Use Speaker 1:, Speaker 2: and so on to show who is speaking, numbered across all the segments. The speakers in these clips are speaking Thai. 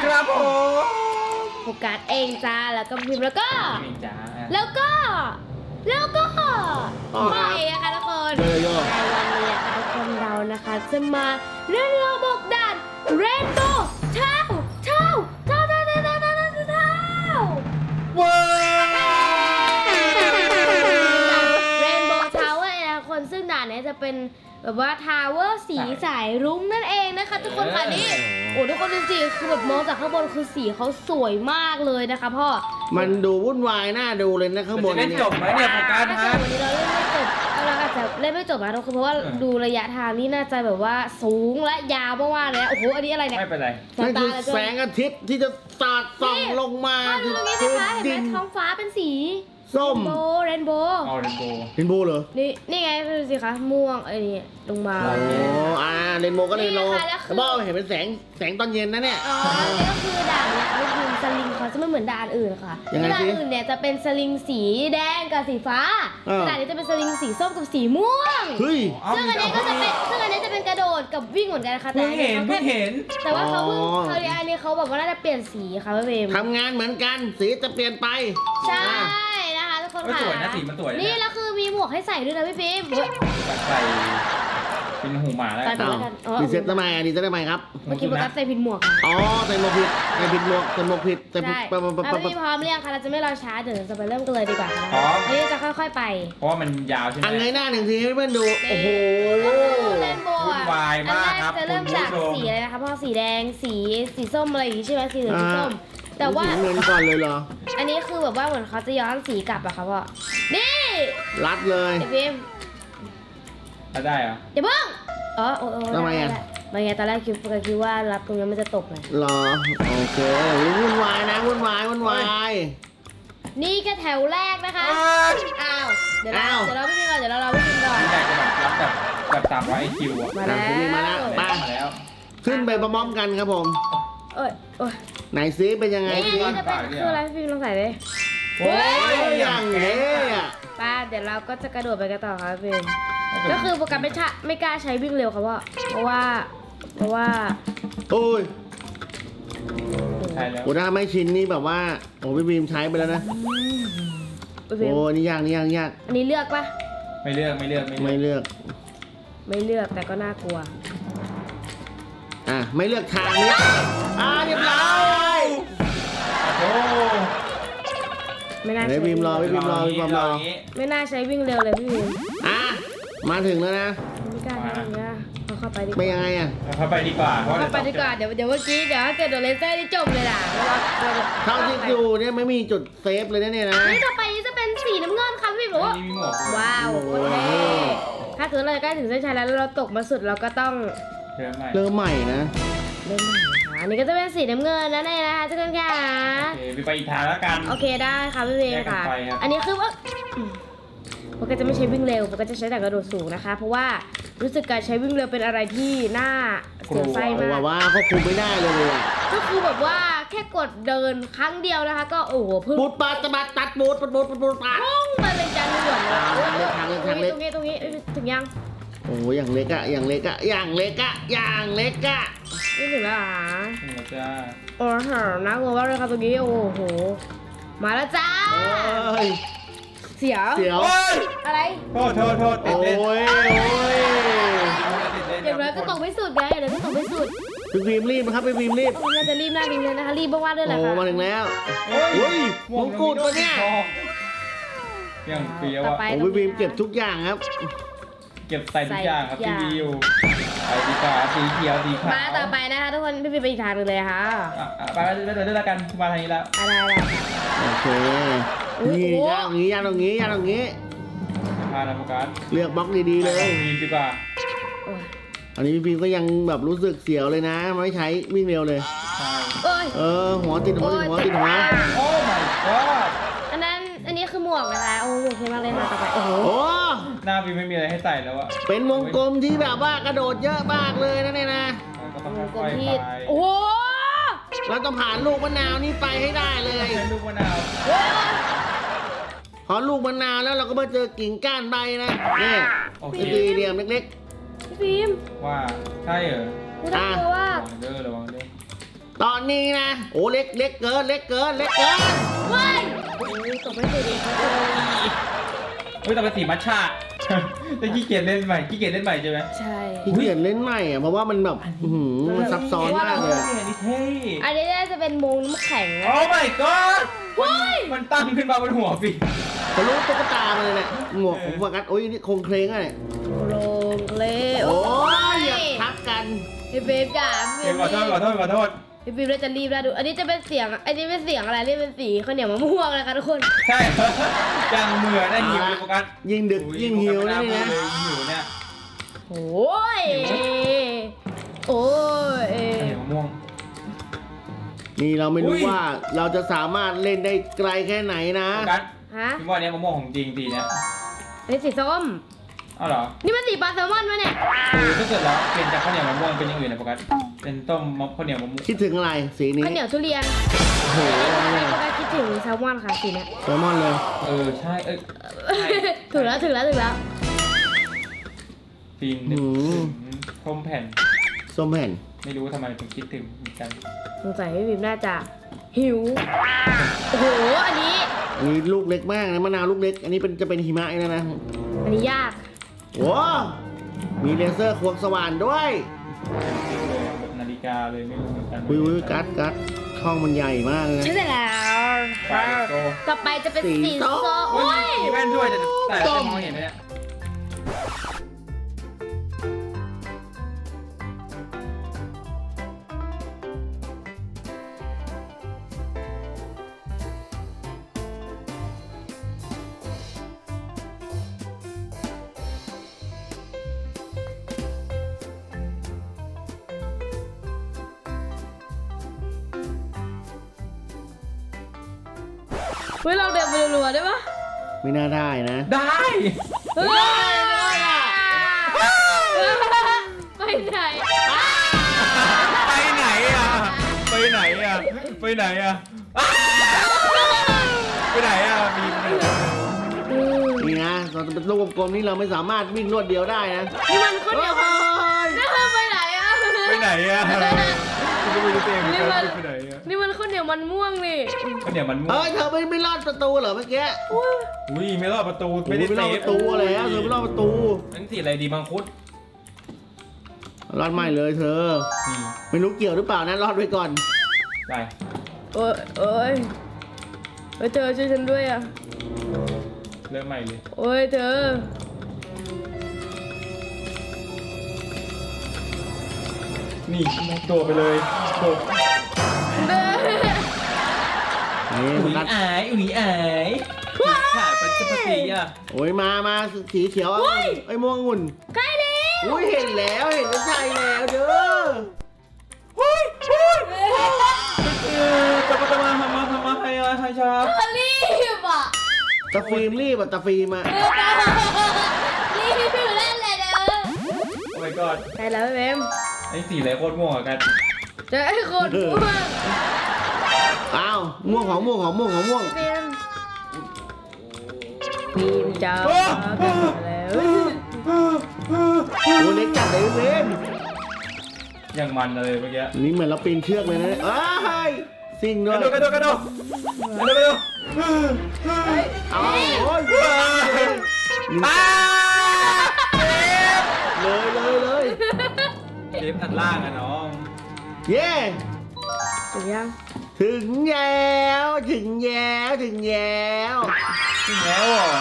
Speaker 1: ครับผม
Speaker 2: โฟกัสเองจ้าแล้วก็พิมพ์แล้วก็
Speaker 1: นี่จ้า
Speaker 2: แล้วก็ไปนะคะทุกคนในวันนี้นะคะทุกคนเรานะคะจะมาเล่นโรบอกด่านเรนโบว์เท้า
Speaker 1: ว้าว
Speaker 2: เรนโบว์ทาวเวอร์นะคนซึ่งด่านนี้จะเป็นแบบว่าทาวเวอร์สีสายรุ้งนั่นเองนะคะทุกคนค่ะนี่โอ้ทุกคนดูสิคือแบบมองจากข้างบนคือสีเขาสวยมากเลยนะคะพ่อ
Speaker 3: มันดูวุ่นวายน่าดูเลยนะข้างบน
Speaker 1: จะเล่น
Speaker 3: เนี่ย
Speaker 1: จบไหมเนี่ยโฟกัส
Speaker 2: ถ้า
Speaker 1: ฮะ
Speaker 2: เกิดวันนี้เราเล่นไม่จบเราอาจจะเล่นไม่จบนะทุกคนเพราะว่าดูระยะทางนี่น่าจะแบบว่าสูงและยาวมากๆเลยนะโอ้โหอันนี้อะไรเนี่ย
Speaker 1: ไม่เป็นไร
Speaker 3: นั่นคือแสงอาทิตย์ที่จะสาดส่องลงมา
Speaker 2: ดูตรงนี้นะคะเห็นไหมท้องฟ้าเป็นสี
Speaker 3: ส้ม
Speaker 2: เรนโบว์
Speaker 1: ออเรนโบ
Speaker 3: เรนโบว์เหรอ
Speaker 2: นี่ไงดูสิคะม่วงไอ้นี่ลงมา
Speaker 3: โอ้เรนโบว์ก็เรนโบว์
Speaker 2: นี่ค่ะแล้วคือ
Speaker 3: แต่บอกเห็นเป็นแสงตอนเย็นนะเนี่ย
Speaker 2: อ๋อนี่ก็คือด่านเนี่ยก็คือสลิงเขาจะไม่เหมือนด่านอื่นค่ะ
Speaker 3: ยังไง
Speaker 2: ด่าน
Speaker 3: สิ
Speaker 2: อื่นเนี่ยจะเป็นสลิงสีแดงกับสีฟ้า
Speaker 3: เออ
Speaker 2: ด่านนี้จะเป็นสลิงสีส้มกับสีม่วง
Speaker 3: เฮ้ย
Speaker 2: ซึ่งอันนี้ก็จะเป็นกระโดดกับวิ่งเหมือนกันนะคะแต่
Speaker 1: เพิ่ง
Speaker 2: อันนี้
Speaker 1: เห็น
Speaker 2: เขา
Speaker 1: เพิ่
Speaker 2: แค่
Speaker 1: งเห็น
Speaker 2: แต่ว่าเขาเพิ่ง
Speaker 3: อ๋อ
Speaker 2: เขาเรียกอันนี้เขาบอกว่าน่าจะเปลี่ยนสีค่ะพี่เบม
Speaker 3: ทำงานเหมือนกันสีจะเปลี่ยนไป
Speaker 2: ใช่
Speaker 3: อ่ะ
Speaker 2: นะคะทุกคน
Speaker 1: เฮ้ย
Speaker 2: ค่ะ
Speaker 1: สวยนะสีมันสวยนะ
Speaker 2: นี่แล้วคือมีหมวกให้ใส่ด้วยนะพี่ฟิล์มเฮ้ย
Speaker 1: ใส่เป็นหูหมาแล้ว
Speaker 2: ใส่
Speaker 1: กัน
Speaker 2: ไป
Speaker 3: อ้าว
Speaker 2: แล้วกันอ๋อ
Speaker 3: ดีเซ็ตทำไมดีเซ็ตทำไมครับ
Speaker 2: เมื่อกี้โฟกัสใส่ผิดหมวกค่ะ
Speaker 3: อ๋อใส่หมวกผิดใส่ผิดหมวกใส่หมวกผิดใส่ผิด
Speaker 2: ใช่
Speaker 3: ปั๊บปั๊บปั๊บ
Speaker 2: เอา
Speaker 3: ปั๊บ
Speaker 2: พี่พร้อมเรียงค่ะเราจะไม่รอช้าเดี๋ยวเราจะไปเริ่มกันเลยดีกว่าค่ะ
Speaker 1: พร้อม
Speaker 2: อันนี้จะค่อยๆไป
Speaker 1: เพราะว่ามันยาวใช่ไหม
Speaker 3: อันไงหน้าหนึ่งทีให้เพื่อนดู โอ้โห
Speaker 2: ก็คือเรนโบว์
Speaker 1: วุ่นวายมากครับ
Speaker 2: อันแรกจะเริ่มจาก
Speaker 1: คุณผู้ชม
Speaker 2: สีอะไรนะคะพ่อสีแดงสีส้มอะไรอย่างงี้ใช่ไหมสีเหลืองสีส้มแต่ว่า
Speaker 3: ถึงเงินก่อนเลยเหรอ
Speaker 2: อันนี้คือแบบว่าเหมือนเขาจะย้อนสีกลับอะค่ะพ่อนี่
Speaker 3: รัดเลย
Speaker 2: ไอฟิล์ม
Speaker 1: ถ้าได้เหรอ
Speaker 2: อย่าเพิ่งโอ้
Speaker 3: ทำไมอะ
Speaker 2: ไม่ไงตอนแรกคิดว่ารับตรงนี้มันจะตกไง
Speaker 3: เหรอ โอเควุ่นวายนะวุ่นวายวุ่นวาย
Speaker 2: นี่แค่แถวแรกนะคะ อ้าว เดี๋ยวเรา
Speaker 3: อ้าว
Speaker 2: เดี๋ยวเราไม่กินก่อน เดี๋ยวเราไม่กินก่อน
Speaker 1: อยากจะแบบรับแบบ300 IQ อ่ะ
Speaker 2: มาแล้ว
Speaker 3: มาแล้ว
Speaker 1: มาแล้ว
Speaker 3: ขึ้นไปพร้อมๆกันครับผม
Speaker 2: เอ้ยโอ้ย
Speaker 3: ไหนซิเป็นยังไง
Speaker 2: นี่
Speaker 3: ซิ
Speaker 2: นี่จะเป็นคืออะไรพี่ฟิล์มลองใส่เลย
Speaker 1: โอ้ย
Speaker 3: อ
Speaker 1: อย่าง
Speaker 3: เท่
Speaker 1: เท่
Speaker 3: อะ
Speaker 2: ป้าเดี๋ยวเราก็จะกระโดดไปกันต่อค่ะพี่ฟิล์มก็คือโปรแกรมไม่กล้าใช้วิ่งเร็วครับเพราะว่า
Speaker 3: โอ้ย
Speaker 1: ใช่แล้ว
Speaker 3: โอ้ถ้าไม่ชินนี่แบบว่า โอ้พี่บีมใช้ไปแล้วนะ
Speaker 2: พี่ฟิล์ม
Speaker 3: โอ้นี่ยากนี่ยากนี่ยาก
Speaker 2: อันนี้เลือกปะ
Speaker 1: ไม่เลือก
Speaker 3: ไม่เลือก
Speaker 2: ไม่เลือกแต่ก็น่ากลัว
Speaker 3: ไม่เลือกทางนี้เรียบร้อย
Speaker 1: โอ้
Speaker 2: ไม่น่า
Speaker 3: เฮ้ย
Speaker 2: ใช้
Speaker 3: บีมรอพี่บีมรอพี่บีมรอ
Speaker 1: ย่างงี้
Speaker 2: ไม่น่าใช้วิ่งเร็วเลยพี่ฟิล์ม
Speaker 3: มาถึงแล้วนะ
Speaker 2: ไม่กล้าทำอย่างเงี้ยเอาเข้าไปดีก
Speaker 3: เป็น
Speaker 2: ว่า
Speaker 3: ยังไงอะ
Speaker 1: เข้าไปดีกว่าเพราะ
Speaker 2: เข้าไปดีกว่าเดี๋ยวเมื่อกี้เดี๋ยวถ้าเกิดโดนเลเซอร์นี่จบเลยล่ะเพราะว่า
Speaker 3: เท่าที่ดูเนี่ยไม่มีจุดเซฟเลยนะเนี่ยนะ
Speaker 2: นี่ต่อไปนี่จะเป็นสีน้ำเงินค่ะพี่บอกว่า
Speaker 1: นี่มีหมวกด้วย
Speaker 2: ว้าวโอเคถ้าเกิดเราใกล้ถึงเส้นชัยแล้วเราตกมาสุดเราก็ต้อง
Speaker 1: เริ่มใหม่
Speaker 3: เริ่มใหม่นะ
Speaker 2: เล่นใหม่ค่ะอันนี้ก็จะเป็นสีน้ำเงินนะเนี่ยนะคะทุกคนค่ะ
Speaker 1: โอเคไปอีกทางแล้วกัน
Speaker 2: โอเคได้ค่ะพี่เวย์ค่ะ
Speaker 1: แยกกันไปครับ
Speaker 2: อันนี้คือว่าโปรแกรมจะไม่ใช้วิ่งเร็วโปรแกรมจะใช้แต่กระโดดสูงนะคะ เพราะว่ารู้สึกการใช้วิ่งเร็วเป็นอะไรที่น่าเสียวไส้
Speaker 3: โอ้
Speaker 2: มา
Speaker 3: แบบ
Speaker 2: ก
Speaker 3: ว่าควบคุมไม่ได้เลยอะ
Speaker 2: ก็คือแบบว่าแค่กดเดินครั้งเดียวนะคะ ก็โอ้โหพึ่ง
Speaker 3: บูดปาดตะบัดตัดบูดปัดบูดปัดบูดปาด
Speaker 2: พุ่งมาเป็นจานด่วนเลย
Speaker 3: ทางเล็กทางเล็ก
Speaker 2: ตรงนี้ถึงยัง
Speaker 3: โอ้อย่างเล็กอะอย่างเล็กอะอย่างเล็กอะอย่างเล็กอะ
Speaker 2: นี่ถึงแล้วเหรอ
Speaker 1: นี่แหละจ้า
Speaker 2: โอ้โหน่ากลัวมากเลยค่ะตรงนี้โอ้โหมาแล้วจ้า
Speaker 3: เอ้ย
Speaker 2: เสียว
Speaker 3: เสียว
Speaker 1: โอ้ย
Speaker 2: อะไร
Speaker 1: โทษติ
Speaker 3: โอ้
Speaker 1: ดเล่น
Speaker 3: ยโอ้ย
Speaker 1: ติดเล่น
Speaker 2: อย่างน้อยก็ตกไม่สุดไงเดี๋ยวก็ตกไม่สุด
Speaker 3: พี่บีมรีบนะครับพี่บีมรีบ
Speaker 2: น่าจะรีบหน้ารีบเลยนะคะรีบมากๆด้วยแหละ
Speaker 3: โอ้
Speaker 2: ค่ะ
Speaker 3: มาถึงแล้วโอ้ยมงกุฎปะเนี่ย
Speaker 1: ยังเฟี้ยว
Speaker 2: ต่อ
Speaker 1: อ่ะ
Speaker 2: ไป
Speaker 3: โอ้พี่บีมเก็บทุกอย่างครับ
Speaker 1: เก็บใส่ทุกอย่างครับที่มีอยู่ไปดีกว่าสีเขียวสีขาว
Speaker 2: มาต่อไปนะคะทุกคนพี่ไปอีกทางหนึงเลยค่ะ
Speaker 1: ไปเรื่อยๆกันมาทางนี้แล้ว
Speaker 2: อะไร
Speaker 3: โอเค นี่ยากตรงนี้ยากตรงนี้ยากตรงนี้
Speaker 1: พานาโฟกัส
Speaker 3: เลือกบล็อกดีๆเลย
Speaker 1: มีดีกว่า
Speaker 2: โอ้ย
Speaker 3: อันนี้พี่บีมก็ยังแบบรู้สึกเสียวเลยนะ ไม่ใช้วิ่งเร็วเลย
Speaker 1: ใช่
Speaker 2: โอ้ย
Speaker 3: หัวติดหัวติดหัวติดหัว
Speaker 1: โอ้ my god
Speaker 2: อันนี้คือหมวกนะคะโอ้โหเท่มากเลยค่ะต่อไปโอ้โห
Speaker 3: โอ้
Speaker 1: หน้าวีไม่มีอะไรให้ใส่แล้วอะ
Speaker 3: เป็นวงกลมที่แบบว่ากระโดดเยอะมากเลยนะเนี่ยนะ
Speaker 1: ก็ต้อง
Speaker 2: วงกล
Speaker 1: ค่
Speaker 2: ม
Speaker 1: อยๆ
Speaker 2: ที่
Speaker 1: ไป
Speaker 2: โอ้โห
Speaker 3: เราต้องผ่านลูกมะนาวนี่ไปให้ได้เลย
Speaker 1: ใช้ลูกมะนาว
Speaker 3: พอลูกมะนาวแล้วเราก็มาเจอกิ่งก้านใบนะนี่
Speaker 1: โอเค
Speaker 3: สี่เหลี่ยมเล็ก
Speaker 2: พี่ฟิล์ม
Speaker 1: ว่าใช่เหรอ
Speaker 2: ไม่ต้องกลัวว่า
Speaker 1: ระวังเด้อ
Speaker 3: ตอนนี้นะโอ้เล็กเกิน
Speaker 2: ว้ายโอ้ยตกไม่ถูกอีกครับ
Speaker 1: เฮ้ยแต่เป็นสีมัทฉะจะขี้เกียจเล่นใหม่ใช่ไหม
Speaker 2: ใช่
Speaker 3: ที่เขียนเล่นใหม่อ่ะเพราะว่ามันแบบมันซับซ้อนมากเลย
Speaker 1: อันนี้เท่
Speaker 2: อันนี้น่าจะเป็นโมงน้ำแข็งนะ
Speaker 1: โอ้ my god
Speaker 2: ว้าย
Speaker 1: มันตั้งขึ้นมาบนหัวฟิ
Speaker 3: ทะลุตุ๊กตามาเลยเนี่ยหมวกของโฟกัสโอ้ยนี่โครงเคลงอ่ะเนี่ย
Speaker 2: โรงเล่
Speaker 3: โอ้ยอย่าทักกัน
Speaker 2: พี่เบฟจ้า
Speaker 1: เดี๋ยวขอโทษ
Speaker 2: พี่เบฟเราจะรีบแล้วดูอันนี้จะเป็นเสียงอันนี้เป็นเสียงอะไรนี่เป็นสีข้าวเหนียวมะม่วงนะคะทุกคน
Speaker 1: ใช่ ยังเหมือนได้หิวเลยโฟกัส
Speaker 3: ยิ่งดึกยิ่งหิวนะนี่นะ
Speaker 1: หิวเนี่ย
Speaker 2: โอ้ยโอ้ย
Speaker 1: เห็นมะม่วง
Speaker 3: นี่เราไม่รู้
Speaker 1: อุ้ย
Speaker 3: ว่าเราจะสามารถเล่นได้ไกลแค่ไหนนะ
Speaker 1: โฟกัส
Speaker 2: ฮะ
Speaker 1: พี่ว่าเนี้ยมะม่วงของจริงดีเนี่ย
Speaker 2: อันนี้สีส้ม
Speaker 1: อ้าวเหรอ
Speaker 2: นี่มันสีปลาแซลมอนไหมเนี่ย
Speaker 1: คือถ้าเกิดเราเปลี่ยนจากข้าวเหนียวมะม่วงเป็นอย่างอื่นนะโฟกัสเป็นต้มข้าวเหนียวมะม่วง
Speaker 3: คิดถึงอะไรสีนี้
Speaker 2: ข้าวเหนียวทุเรียน
Speaker 3: โอ้โห
Speaker 2: โฟกัสคิดถึงแซลมอนค่ะสีเนี้ย
Speaker 3: แซลมอนเลย
Speaker 1: ใช่ใช่
Speaker 2: ถึงแล้ว
Speaker 1: ฟินนึกถึงส้มแผ่น
Speaker 3: ส้มแผ่น
Speaker 1: ไม่รู้ว่าทำไมถึงคิดถึงเหมือนกัน
Speaker 2: สงสัยพี่บิมน่าจะหิว โอ้โห อันนี้
Speaker 3: อันนี้ลูกเล็กมากนะมะนาวลูกเล็ก อันนี้จะเป็นหิมะนะนะ
Speaker 2: อันนี้ยาก
Speaker 3: โอ้มีเลเซอร์ควงสว่านด้วย
Speaker 1: เลยแบบนาฬิกาเลยไม่รู้เหมือนกัน
Speaker 3: วิวกัดช่องมันใหญ่มากเลยนะ
Speaker 2: ใช่แล้ว
Speaker 1: ไปโต
Speaker 2: ต่อไปจะเป็น
Speaker 3: สี
Speaker 2: สี
Speaker 3: ส้
Speaker 2: ส้
Speaker 3: ม
Speaker 2: ม
Speaker 1: โอ้
Speaker 2: โอ้
Speaker 1: ย
Speaker 2: ย
Speaker 1: มีแว่นด้วยแต่จะมองเห็นไหมเนี่ย
Speaker 2: เฮ้ยเราเดินไปรัวๆได้ปะ
Speaker 3: ไม่น่าได้นะ
Speaker 1: ได้
Speaker 2: เฮ้ยไปไหน
Speaker 1: ไปไหนอ่ะไปไหนอ่ะไปไหนอ่ะไปไหนอ่ะมี
Speaker 3: นี่นะเราจะเป็นลูกกลมๆนี่เราไม่สามารถวิ่งรวดเดียวได้นะ
Speaker 2: นี่มันข้าวเหนียว
Speaker 3: เฮ้ย
Speaker 2: นี่มันไปไหนอะ
Speaker 1: ไปไหนอ่ะก็ไม่รู้ตัวเองเหมือนกันไปไหนอ่ะ
Speaker 2: นี่มันข้าวเหนียวมันม่วงนี่
Speaker 1: ก็เดี๋ยวมันม่ว
Speaker 3: เฮ้
Speaker 1: ง
Speaker 3: ยเธอไม่รอดประตูเหรอเมื่อกี้
Speaker 1: อุ้ยไม่รอดประตู
Speaker 3: ไม่
Speaker 1: ไม่ได้
Speaker 3: รอด
Speaker 1: เซ
Speaker 3: ป
Speaker 1: ฟ
Speaker 3: ระตูแล้วเธอไม่รอดประตู
Speaker 1: นั่นสีอะไรดีมังคุด
Speaker 3: รอดไม่เลยเธอ
Speaker 1: นี่
Speaker 3: ไม่รู้เกี่ยวหรือเปล่านะรอดไว้ก่อน
Speaker 1: ไป
Speaker 2: เอ้ยเอ้ยเธอช่วยฉันด้วยอะ
Speaker 1: เริ่มใหม่เลย
Speaker 2: โอ้ยเธอ
Speaker 1: นี่โดดไปเลยโดด
Speaker 3: นี่
Speaker 1: อุ้ย
Speaker 3: กัด
Speaker 1: อายขาดปัจจุบันอ่ะ
Speaker 3: โอ้ยมาสีเขียวไอ้ม่วงอุ่น
Speaker 2: ใกล้แล้ว
Speaker 3: อุ้ยเห็นแล้วเห็นแล้วใช่แล้วเด้อ
Speaker 1: จะมาทำมาให้ชา
Speaker 2: รีบอ่ะ
Speaker 3: ตะฟิล์มรีบอ่ะตะฟิล์มอ่ะ
Speaker 2: รีบอยู่นั่นแหละเด้อ
Speaker 1: โอ้ my god
Speaker 2: ใช่แล้วพี่เบม
Speaker 1: ไอ้สีอะไรโคตรม่วงอ่ะกัน
Speaker 2: เจอไอ้คนม่วง
Speaker 3: อ้าวม่วงของม่วง
Speaker 2: เบมบีมจ้าแล้ว
Speaker 3: โอ้เล็กจัดเลยเว้น
Speaker 1: ยังมันเลยเมื่อกี้
Speaker 3: นี่เหมือนเราปีนเชือกเลยนะเอ้ยซิ่งด้วย
Speaker 1: กระโดด
Speaker 3: เอาโอ้ยเลย
Speaker 1: เจฟอันล่างอะน้อง
Speaker 3: เย้
Speaker 2: ถึงยัง
Speaker 3: ถึงแล้วถึงแล้ว
Speaker 1: ถึงแล้ว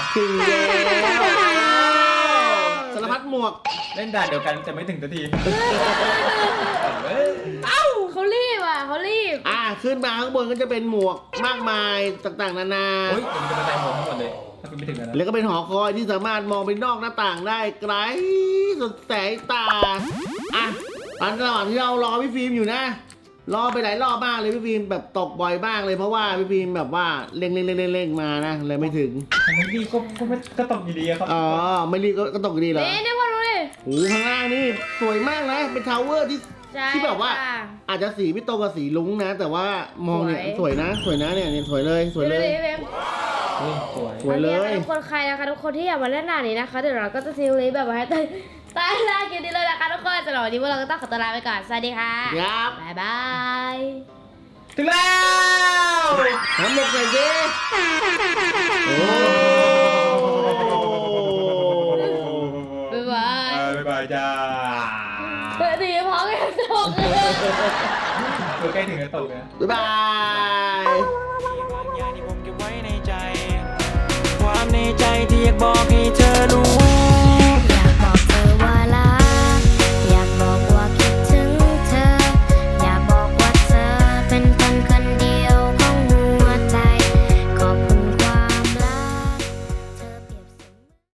Speaker 3: สารพัดหมวก
Speaker 1: เล่นด่านเดียวกันแต่ไม่ถึงสักที
Speaker 2: เขารีบอ่ะเขารีบ
Speaker 3: ขึ้นมาข้างบนก็จะเป็นหมวกมากมายต่างๆนานา
Speaker 1: โอ้ยผมจะมาแต่งผมทั้งหมดเลยถ้าคุณไม่ถึงกันนะ
Speaker 3: แล้วก็เป็นหอคอยที่สามารถมองไปนอกหน้าต่างได้ไกลสุดแสงตาตอนระหว่างที่เรารอพี่ฟิล์มอยู่นะ รอไปหลายรอบมากเลยพี่ฟิล์มแบบตกบ่อยมากเลยเพราะว่าพี่ฟิล์มแบบว่าเร่งมานะเลยไม่ถึง
Speaker 1: ทำไมดีก็ตกอยู่ดีครับ
Speaker 3: อ๋อไม่รีบก็ตกดีเหรอ
Speaker 2: นี่พอดูดิ
Speaker 3: โอ้ข้างล่างนี่สวยมากนะเป็นทาวเวอร์ที่
Speaker 2: ใช่
Speaker 3: ที่แบบว่า
Speaker 2: ค่ะ
Speaker 3: อาจจะสีไม่ตรงกับสีลุ้งนะ แต่ว่ามองเนี่ย
Speaker 2: ส
Speaker 3: ส
Speaker 2: ว
Speaker 3: วย ยนะเนี่ยสวยเลย
Speaker 2: ดูดิพี่เบม
Speaker 1: สวย
Speaker 3: สวยเลย
Speaker 2: ทุกคนใครนะคะทุกคนที่อยากมาเล่นหน้านี้นะคะเดี๋ยวเราก็จะซีรีส์แบบว่าให้ตายแล้วกินดีเลยนะคะทุกคนสำหรับวันนี้พวกเราก็ต้องขอตัวลาไปก่อนสวัสดีค่ะ
Speaker 3: ครับ
Speaker 2: บ๊ายบาย
Speaker 1: ถึงแล้ว
Speaker 3: น้ำหมกใส่ดิโอ้
Speaker 2: บ๊ายบาย
Speaker 1: บ๊ายบายจ้า
Speaker 2: เฮ้ยดีพร้อมกันตก
Speaker 1: ตัวใกล้ถึงจะตกแล้ว
Speaker 3: บ๊ายบาย
Speaker 4: บางอย่างที่ผมเก็บไว้ในใจ ความในใจที่อยากบอกให้เธอรู้